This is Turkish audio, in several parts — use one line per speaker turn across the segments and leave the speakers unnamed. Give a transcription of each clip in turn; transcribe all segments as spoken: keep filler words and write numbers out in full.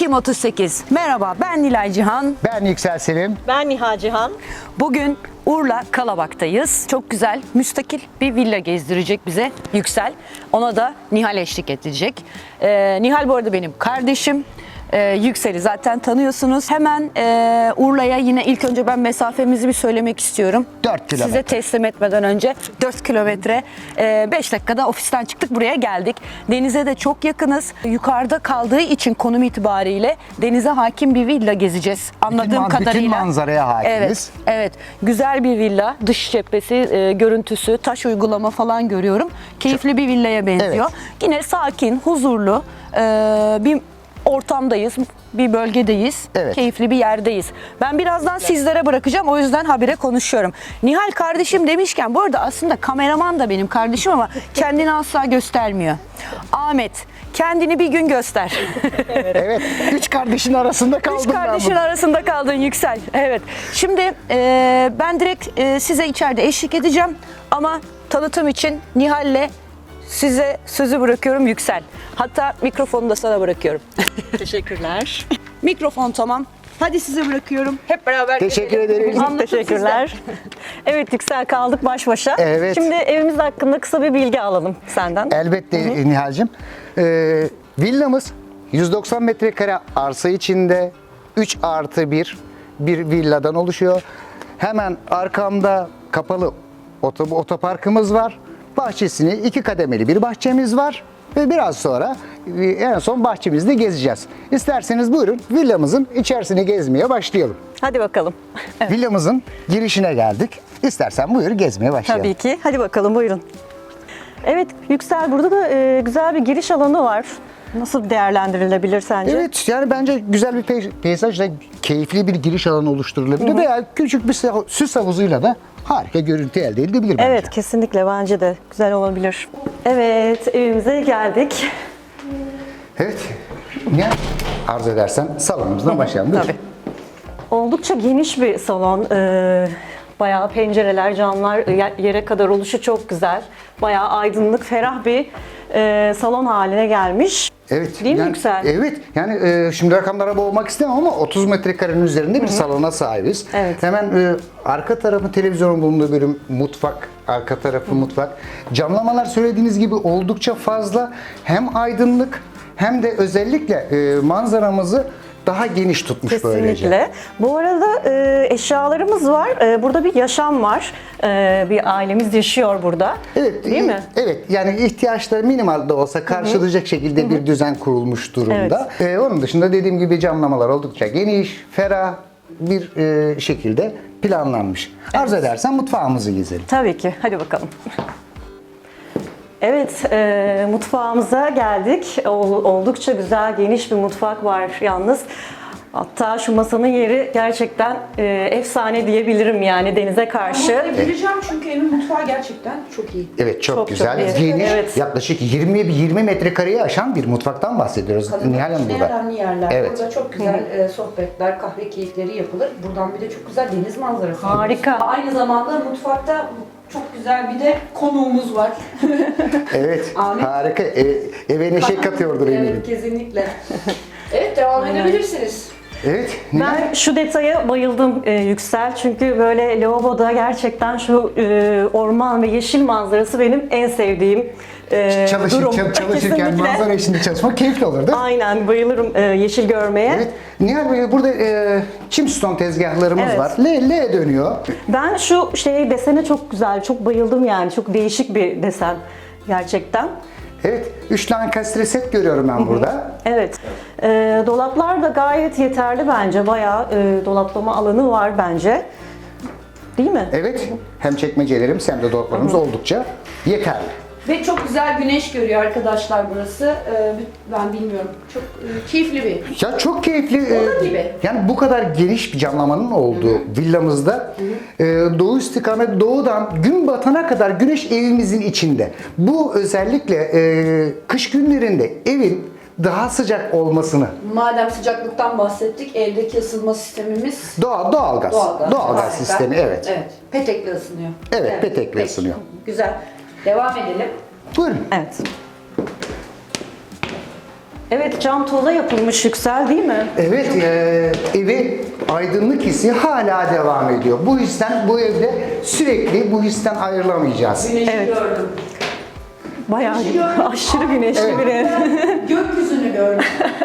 Ekim otuz sekiz. Merhaba, ben Nilay Cihan.
Ben Yüksel Selim.
Ben Niha Cihan.
Bugün Urla Kalabak'tayız. Çok güzel, müstakil bir villa gezdirecek bize Yüksel. Ona da Nihal eşlik edecek. Ee, Nihal bu arada benim kardeşim. Ee, Yüksel'i zaten tanıyorsunuz. Hemen e, Urla'ya yine ilk önce ben mesafemizi bir söylemek istiyorum.
dört kilometre.
Size teslim etmeden önce dört kilometre. E, beş dakikada ofisten çıktık, buraya geldik. Denize de çok yakınız. Yukarıda kaldığı için konum itibariyle denize hakim bir villa gezeceğiz. Anladığım
bütün,
kadarıyla.
Bütün manzaraya hakimiz.
Evet, evet. Güzel bir villa. Dış cephesi, e, görüntüsü, taş uygulama falan görüyorum. Keyifli bir villaya benziyor.
Evet.
Yine sakin, huzurlu e, bir ortamdayız, bir bölgedeyiz,
Evet.
keyifli bir yerdeyiz. Ben birazdan sizlere bırakacağım, o yüzden habire konuşuyorum. Nihal kardeşim demişken, bu arada aslında kameraman da benim kardeşim ama kendini asla göstermiyor. Ahmet, kendini bir gün göster.
Evet. Üç kardeşin arasında kaldım
Üç
ben
kardeşin
burada.
arasında kaldın Yüksel. Evet. Şimdi e, ben direkt e, size içeride eşlik edeceğim ama tanıtım için Nihal'le size sözü bırakıyorum Yüksel. Hatta mikrofonu da sana bırakıyorum.
Teşekkürler.
Mikrofon tamam. Hadi size bırakıyorum. Hep beraber
Teşekkür
gezelim.
ederiz.
Anlatın
Teşekkürler. Evet Yüksel, kaldık baş başa.
Evet.
Şimdi evimiz hakkında kısa bir bilgi alalım senden.
Elbette Nihal'cim. Ee, villamız yüz doksan metrekare arsa içinde üç artı bir bir villadan oluşuyor. Hemen arkamda kapalı oto- otoparkımız var. Bahçesini iki kademeli bir bahçemiz var. Ve biraz sonra en son bahçemizde gezeceğiz. İsterseniz buyurun villamızın içerisini gezmeye başlayalım.
Hadi bakalım.
Villamızın girişine geldik. İstersen buyur gezmeye başlayalım.
Tabii ki. Hadi bakalım, buyurun. Evet Yüksel, burada da e, güzel bir giriş alanı var. Nasıl değerlendirilebilir sence?
Evet, yani bence güzel bir pey- peyzajla keyifli bir giriş alanı oluşturulabilir veya küçük bir sa- süs havuzuyla da harika görüntü elde edilebilir bence.
Evet, kesinlikle bence de güzel olabilir. Evet, evimize geldik.
Evet. Ne arzu edersen salonumuzdan başlayalım. Buyur.
Tabii.
Oldukça geniş bir salon. Ee, bayağı pencereler, camlar e, yere kadar oluşu çok güzel. Bayağı aydınlık, ferah bir e, salon haline gelmiş.
Evet.
Değil mi
yani,
Yüksel?
Evet. Yani e, şimdi rakamlara boğmak istemem ama otuz metrekarenin üzerinde bir salona sahibiz.
Evet.
Hemen e, arka tarafı televizyonun bulunduğu bölüm mutfak, arka tarafı mutfak. Camlamalar söylediğiniz gibi oldukça fazla. Hem aydınlık hem de özellikle e, manzaramızı daha geniş tutmuş böylece.
Kesinlikle. Bu arada e, eşyalarımız var. E, burada bir yaşam var. E, bir ailemiz yaşıyor burada.
Evet,
Değil
e,
mi?
Evet, yani ihtiyaçları minimal de olsa karşılayacak şekilde bir düzen kurulmuş durumda. Ee, onun dışında dediğim gibi camlamalar oldukça geniş, ferah bir e, şekilde planlanmış. Arzu edersen mutfağımızı gezelim.
Tabii ki. Hadi bakalım. Evet, e, mutfağımıza geldik. Ol- Oldukça güzel, geniş bir mutfak var yalnız. Hatta şu masanın yeri gerçekten e, efsane diyebilirim, yani denize karşı.
Gireceğim çünkü evin mutfağı gerçekten çok iyi.
Evet, çok,
Çok,
güzel,
çok iyi.
geniş,
Evet.
yaklaşık yirmi yirmi metrekareyi aşan bir mutfaktan bahsediyoruz. Nihal Hanım
En
burada.
önemli yerler.
Evet.
Burada çok güzel e, sohbetler, kahve keyifleri yapılır. Buradan bir de çok güzel deniz manzarası.
Harika.
Aynı zamanda mutfakta çok güzel bir de konuğumuz var.
Evet,
Ahmet.
harika. E, eve neşe katıyordur eminim.
Evet, kesinlikle. Evet, devam edebilirsiniz.
Evet, Nihal.
Ben şu detaya bayıldım e, Yüksel, çünkü böyle lavaboda gerçekten şu e, orman ve yeşil manzarası benim en sevdiğim e,
Çalışır,
durum.
çal- çalışırken
Kesinlikle.
manzara içinde çalışmak keyifli olur değil mi?
Aynen, bayılırım e, yeşil görmeye.
Evet. Nihal Bey, burada e, Chimstone tezgahlarımız
Evet.
var. L, L dönüyor.
Ben şu şey desene çok güzel, çok bayıldım yani. Çok değişik bir desen gerçekten.
Evet. Üç tane kastre set görüyorum ben burada.
Evet. E, dolaplar da gayet yeterli bence. Bayağı e, dolaplama alanı var bence. Değil mi?
Evet. Hem çekmecelerimiz hem de dolaplarımız oldukça yeterli.
Ve çok güzel güneş görüyor arkadaşlar burası. Ee, ben bilmiyorum. Çok e, keyifli bir.
Ya çok keyifli.
Oda
e,
gibi.
Yani bu kadar geniş bir camlamanın olduğu villamızda e, doğu istikamet doğudan gün batana kadar güneş evimizin içinde. Bu özellikle e, kış günlerinde evin daha sıcak olmasını.
Madem sıcaklıktan bahsettik, evdeki ısınma sistemimiz
Doğal doğalgaz.
doğalgaz.
Doğalgaz
Harika.
sistemi, evet.
Evet. Petekle ısınıyor.
Evet, petekle
peki.
ısınıyor.
Güzel. Devam edelim.
Buyurun.
Evet. Evet, cam toza yapılmış Yüksel değil mi?
Evet, e, evi aydınlık hissi hala devam ediyor. Bu histen, bu evde sürekli bu histen ayrılamayacağız.
Güneşi
Evet.
gördüm.
Bayağı aşırı güneşli
Evet.
bir ev.
Gökyüzünü gördüm.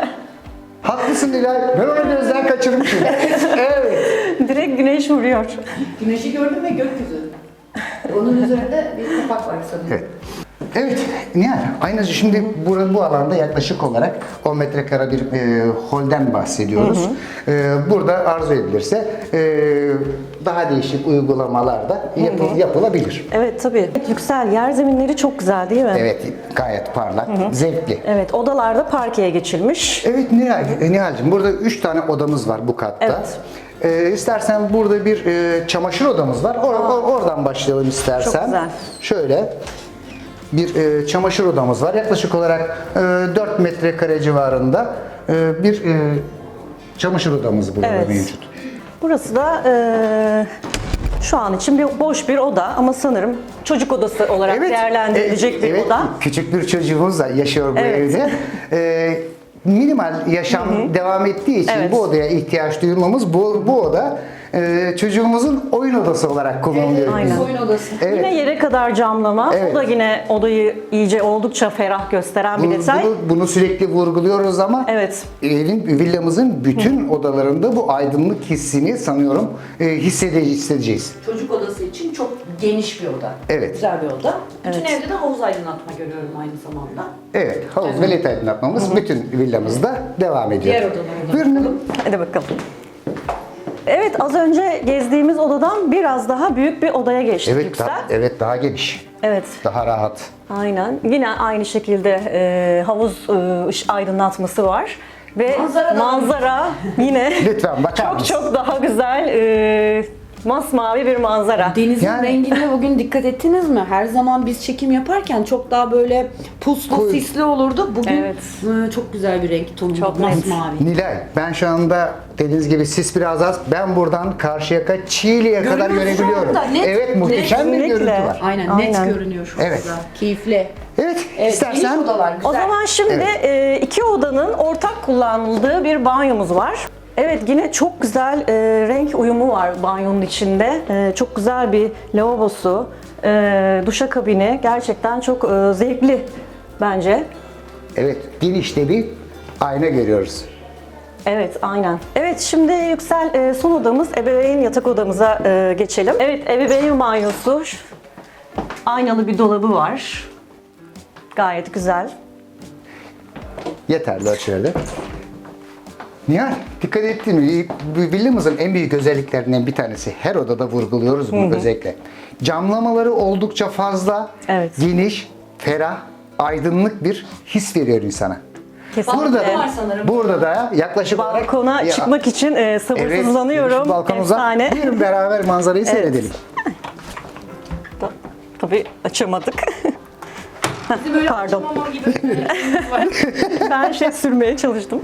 Haklısın Nilay, ben onu gözden kaçırmışım. Evet.
Direkt güneş vuruyor.
Güneşi gördüm ve gökyüzü. Onun üzerinde bir kapak var sanırım.
Evet. Evet, Nihal, aynı şimdi bu, bu alanda yaklaşık olarak on metrekare bir e, holden bahsediyoruz. E, burada arzu edilirse e, daha değişik uygulamalar da yapı- yapılabilir.
Evet tabii. Yüksel, yer zeminleri çok güzel değil mi?
Evet, gayet parlak, zevkli.
Evet, odalarda parkeye geçilmiş.
Evet Nihal, e, Nihal'cim burada üç tane odamız var bu katta.
Evet.
E, istersen burada bir e, çamaşır odamız var. Or- or- oradan başlayalım istersen.
Çok güzel.
Şöyle bir e, çamaşır odamız var. Yaklaşık olarak e, dört metrekare civarında e, bir e, çamaşır odamız burada
Evet.
mevcut.
Burası da eee, şu an için bir boş bir oda ama sanırım çocuk odası olarak değerlendirilecek
e,
bir
evet,
oda.
küçük bir çocuğumuz da yaşıyor bu
Evet.
evde. E, minimal yaşam devam ettiği için
Evet.
bu odaya ihtiyaç duyulmamız bu, bu oda e, çocuğumuzun oyun odası olarak kullanılıyor.
Aynen.
Oyun odası.
Evet.
Yine yere kadar camlama.
Evet.
O da yine odayı iyice oldukça ferah gösteren bir
Bunu,
detay.
bunu, bunu sürekli vurguluyoruz ama
Evet.
evin, villamızın bütün odalarında bu aydınlık hissini sanıyorum e, hissede, hissedeceğiz.
Çocuk odası için çok geniş bir oda.
Evet.
Güzel bir oda. Bütün
Evet.
evde de havuz aydınlatma görüyorum aynı zamanda.
Evet, havuz ve led aydınlatmamız bütün villamızda devam ediyor.
Diğer odalara da
Buyurun.
Hadi bakalım. Evet, az önce gezdiğimiz odadan biraz daha büyük bir odaya geçtik
Evet,
Yüksel.
daha, evet daha geniş,
Evet.
daha rahat.
Aynen. Yine aynı şekilde e, havuz e, ış- aydınlatması var. Ve
Manzara da-
manzara yine
Lütfen bakar
çok
mısın?
çok daha güzel e, masmavi bir manzara.
Denizin
Yani-
rengine bugün dikkat ettiniz mi? Her zaman biz çekim yaparken çok daha böyle puslu,
Koyu.
sisli olurdu. Bugün
Evet.
e, çok güzel bir renk tonu.
Çok net.
Masmavi.
Nilay, ben şu anda dediğiniz gibi sis biraz az. Ben buradan Karşıyaka, Çiğli'ye kadar
Görüyoruz şu
görebiliyorum.
anda, net-
evet, muhteşem bir
Kesinlikle.
görüntü var.
Aynen,
Aynen.
net görünüyor şu
Evet.
anda. Keyifli.
Evet,
Evet,
istersen
geniş odalar güzel.
O zaman şimdi
Evet.
e, iki odanın ortak kullanıldığı bir banyomuz var. Evet, yine çok güzel e, renk uyumu var banyonun içinde. E, çok güzel bir lavabosu, e, duşakabini gerçekten çok e, zevkli bence.
evet, genişte bir ayna görüyoruz.
Evet, aynen. Evet, şimdi Yüksel, e, son odamız ebeveyn yatak odamıza e, geçelim. Evet, ebeveyn banyosu. Şu- Aynalı bir dolabı var. Gayet güzel.
Yeterli ölçülerde. Nihal, dikkat ettin mi? Bu villamızın en büyük özelliklerinden bir tanesi. Her odada vurguluyoruz bunu özellikle. Camlamaları oldukça fazla,
Evet.
geniş, ferah, aydınlık bir his veriyor insana.
Kesinlikle.
Burada
var sanırım.
burada da yaklaşık olarak
Balkona
Ya,
çıkmak için e, sabırsızlanıyorum.
Evet, balkonumuza.
Efsane.
Buyurun beraber manzarayı seyredelim.
Ta- Tabii açamadık.
Bizim böyle
Pardon.
açmama gibi bir şeyimiz var.
Ben şey sürmeye çalıştım.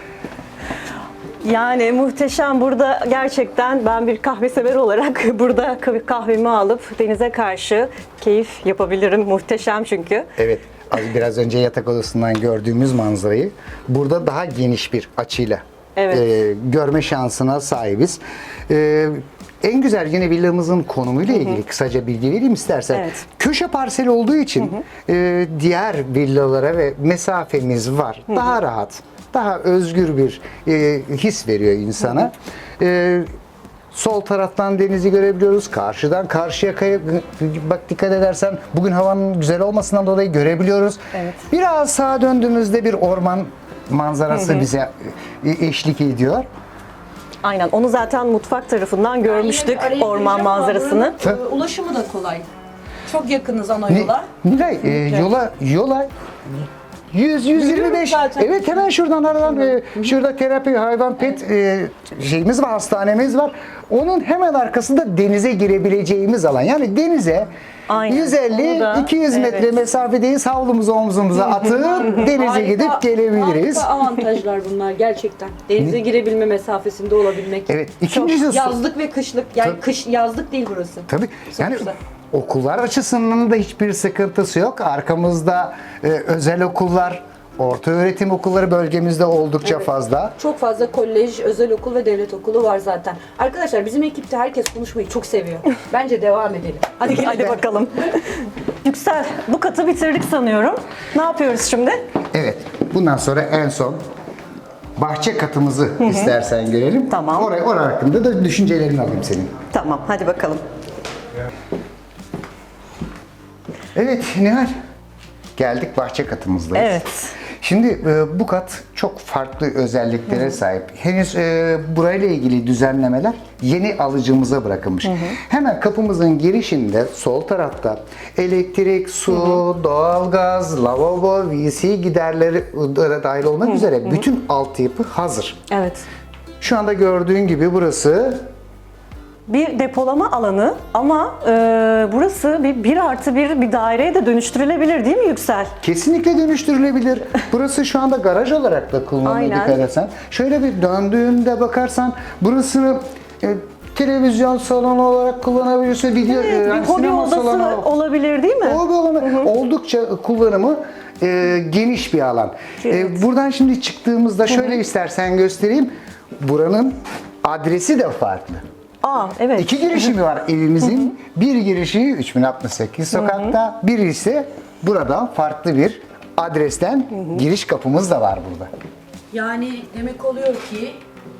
Yani muhteşem, burada gerçekten ben bir kahve sever olarak burada kah- kahvemi alıp denize karşı keyif yapabilirim. Muhteşem çünkü.
Evet, az biraz önce yatak odasından gördüğümüz manzarayı burada daha geniş bir açıyla
Evet.
e, görme şansına sahibiz. E, en güzel yine villamızın konumuyla ilgili kısaca bilgi vereyim istersen.
Evet.
Köşe parsel olduğu için e, diğer villalara ve mesafemiz var. Daha rahat, daha özgür bir e, his veriyor insana. E, Sol taraftan denizi görebiliyoruz. Karşıdan Karşıyaka'ya bak dikkat edersen bugün havanın güzel olmasından dolayı görebiliyoruz.
Evet.
Biraz sağa döndüğümüzde bir orman manzarası bize e, eşlik ediyor.
Aynen, onu zaten mutfak tarafından görmüştük,
Yine bir araya
orman
gireceğim ama
manzarasını.
buranın, e, Ulaşımı da kolay. Çok yakınız ana
Ni-
yola.
Nilay e, yola yola yüz yüz yirmi
Yürüyoruz
beş.
zaten.
Evet, hemen şuradan aradan e, şurada terapi hayvan pet e, şeyimiz var, hastanemiz var. Onun hemen arkasında denize girebileceğimiz alan. Yani denize
Aynen.
yüz elli
Onu da-
iki yüz metre
evet.
mesafedeyiz. Havlumuzu omzumuza atıp denize
Harika-
gidip gelebiliriz.
Harika avantajlar bunlar gerçekten. Denize girebilme mesafesinde olabilmek.
Evet. İkincisi su.
Yazlık ve kışlık. Yani
Tabii.
kış yazlık değil burası.
Tabii. Yani
güzel.
okullar açısından da hiçbir sıkıntısı yok. Arkamızda e, özel okullar, Orta öğretim okulları bölgemizde oldukça fazla.
Çok fazla kolej, özel okul ve devlet okulu var zaten. Arkadaşlar bizim ekipte herkes konuşmayı çok seviyor. Bence devam edelim.
Hadi gel, hadi bakalım. Yüksel, bu katı bitirdik sanıyorum. Ne yapıyoruz şimdi?
Evet. Bundan sonra en son bahçe katımızı istersen görelim.
Tamam.
Oraya, oraya hakkında da düşüncelerini alayım senin.
Tamam, hadi bakalım.
Evet Nihal. Geldik bahçe katımızdayız.
Evet.
Şimdi e, bu kat çok farklı özelliklere sahip. Henüz e, burayla ilgili düzenlemeler yeni alıcımıza bırakılmış. Hemen kapımızın girişinde sol tarafta elektrik, su, doğalgaz, lavabo, V C giderleri e, dahil olmak üzere bütün altyapı hazır.
Evet.
Şu anda gördüğün gibi burası
Bir depolama alanı ama e, burası bir, bir artı bir bir daireye de dönüştürülebilir değil mi Yüksel?
kesinlikle dönüştürülebilir. Burası şu anda garaj olarak da kullanılıyor
Aynen.
dikkat etsen. Şöyle bir döndüğünde bakarsan burasını e, televizyon salonu olarak kullanabilirsin. Video,
Evet,
e,
bir
yani
hobi
sinema
odası
salonu.
olabilir değil mi?
Hobi alanı oldukça kullanımı e, geniş bir alan. E,
Evet.
buradan şimdi çıktığımızda şöyle istersen göstereyim. Buranın adresi de farklı.
Aa, evet.
İki girişimi var evimizin. Bir girişi üç bin altmış sekiz sokakta, biri ise buradan farklı bir adresten giriş kapımız da var burada.
Yani demek oluyor ki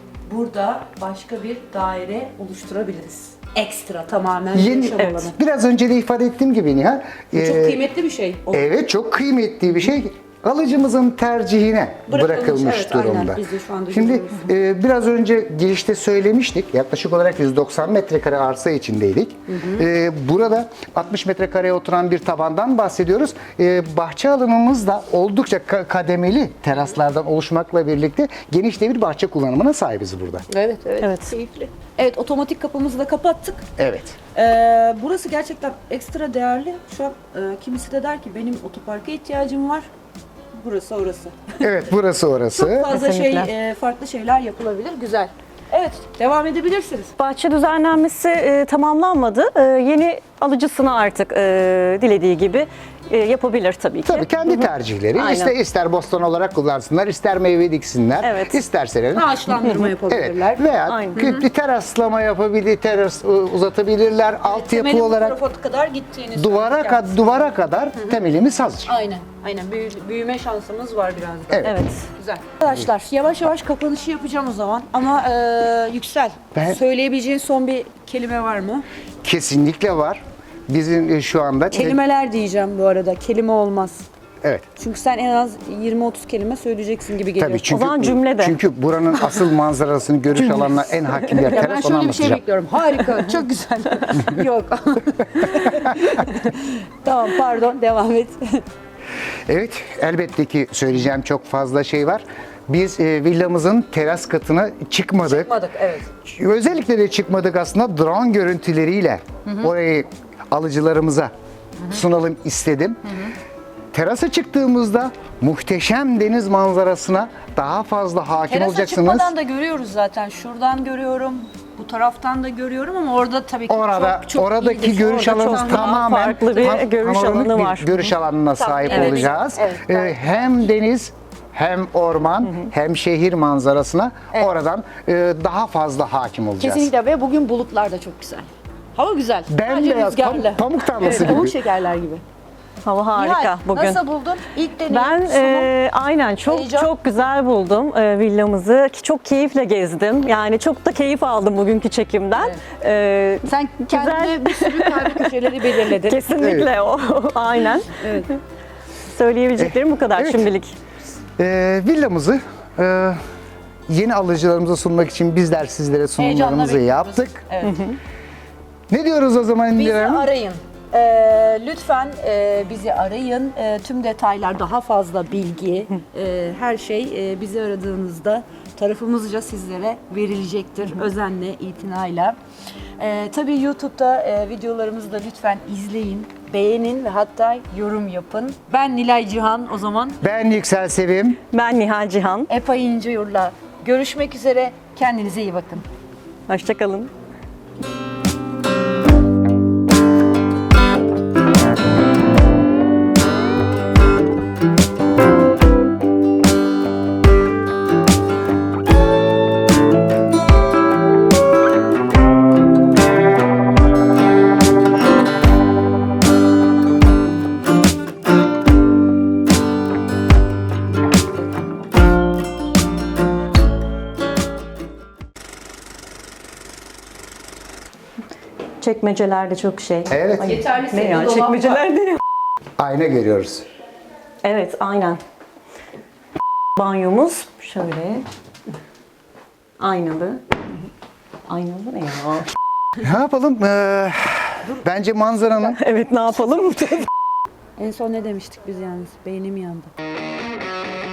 burada başka bir daire oluşturabiliriz. Ekstra tamamen bir
Yeni,
yaşam
evet.
alanı.
Biraz önce de ifade ettiğim gibi Nihal.
Bu çok
e,
kıymetli bir şey. O-
Evet, çok kıymetli bir şey. Alıcımızın tercihine
Bırakılmış,
bırakılmış
evet, aynen.
durumda.
Biz de şu anda
Şimdi
görüyoruz.
e, biraz önce girişte söylemiştik. Yaklaşık olarak yüz doksan metrekare arsa içindeydik. E, burada altmış metrekareye oturan bir tabandan bahsediyoruz. E, bahçe alanımız da oldukça ka- kademeli teraslardan oluşmakla birlikte geniş de bir bahçe kullanımına sahibiz burada.
Evet, evet,
Evet.
Keyifli. Evet, otomatik kapımızı da kapattık.
Evet.
Ee, burası gerçekten ekstra değerli. Şu an e, kimisi de der ki benim otoparka ihtiyacım var. Burası orası.
Evet, burası orası.
Çok fazla şey,
Kesinlikle.
e, farklı şeyler yapılabilir. Güzel. Evet, devam edebilirsiniz.
Bahçe düzenlenmesi e, tamamlanmadı. E, yeni alıcısına artık e, dilediği gibi e, yapabilir tabii ki.
Tabii kendi tercihleri.
Aynen.
İster, ister bostan olarak kullansınlar, ister meyve diksinler.
Evet.
İsterseler.
Ağaçlandırma
Evet.
yapabilirler.
Veya
Aynen.
bir teraslama yapabilir, teras e, uzatabilirler. Altyapı
Temelin bu
olarak
tarafa kadar gittiğini
duvara
söyledik
kad
kendisi.
duvara kadar temelimiz hazır.
Aynen, aynen. Büyü- büyüme şansımız var biraz da.
Evet.
Evet.
Güzel. Arkadaşlar yavaş yavaş kapanışı yapacağım o zaman. Ama e, Yüksel,
Ben-
söyleyebileceğin son bir kelime var mı?
Kesinlikle var. Bizim e, şu anda
Kelimeler diyeceğim bu arada. Kelime olmaz.
evet.
Çünkü sen en az yirmi otuz kelime söyleyeceksin gibi geliyor.
Tabii çünkü
zaman cümle de.
çünkü buranın asıl manzarasını görüş alanına en hakim yer
Ya ben
teras, onu
şöyle bir şey
anlatacağım.
bekliyorum. Harika, çok güzel. Yok. Tamam, pardon. Devam et.
Evet, elbette ki söyleyeceğim çok fazla şey var. Biz e, villamızın teras katına çıkmadık.
Çıkmadık, evet.
Özellikle de çıkmadık aslında drone görüntüleriyle orayı alıcılarımıza sunalım istedim. Terasa çıktığımızda muhteşem deniz manzarasına daha fazla hakim
Terasa
olacaksınız.
çıkmadan da görüyoruz zaten. Şuradan görüyorum. Bu taraftan da görüyorum ama orada tabii ki
Orada
çok, çok
oradaki
iyidir.
görüş
Orada
alanımız
çok daha
tamamen
farklı bir
pan-
görüş
panoramik
alanı
bir
var.
görüş alanına sahip
evet.
olacağız.
Evet,
Ee,
evet.
hem deniz hem orman hem şehir manzarasına oradan e, daha fazla hakim olacağız.
Kesinlikle ve bugün bulutlar da çok güzel. Hava güzel. Sadece
Bembeyaz
rüzgarlı.
pamuk, pamuk tarlası
Evet, pamuk
gibi.
şekerler gibi.
Hava harika
Nihal,
bugün.
nasıl buldun? İlk deneyim,
Ben
sunum.
e, aynen çok
heyecan.
çok güzel buldum e, villamızı. Ki Çok keyifle gezdim. Yani çok da keyif aldım bugünkü çekimden. E,
Sen kendine bir sürü kalbi köşeleri belirledin.
kesinlikle o. Aynen.
Evet.
Söyleyebileceklerim bu kadar
Evet.
şimdilik.
Ee, villamızı e, yeni alıcılarımıza sunmak için bizler sizlere sunumlarımızı
bekliyoruz.
yaptık.
Evet.
Ne diyoruz o zaman
Bizi
İndira Hanım?
arayın. Ee, lütfen e, bizi arayın. E, tüm detaylar, daha fazla bilgi, e, her şey e, bizi aradığınızda tarafımızca sizlere verilecektir. Özenle, itinayla. E, tabii YouTube'da e, videolarımızı da lütfen izleyin, beğenin ve hatta yorum yapın. Ben Nilay Cihan o zaman.
Ben Yüksel Sevim.
Ben Nihal Cihan.
Epa İnceyur'la görüşmek üzere. Kendinize iyi bakın.
Hoşçakalın. Çekmeceler de çok şey.
Evet.
Ay,
Yeterli
ne
sayıda
ya
dolap
çekmeceler ne ya?
Ayna görüyoruz.
Evet aynen. Banyomuz şöyle. Aynalı. Aynalı ne ya?
Ne yapalım? Ee, bence manzaranın...
Evet ne yapalım?
En son ne demiştik biz yalnız? Beynim yandı.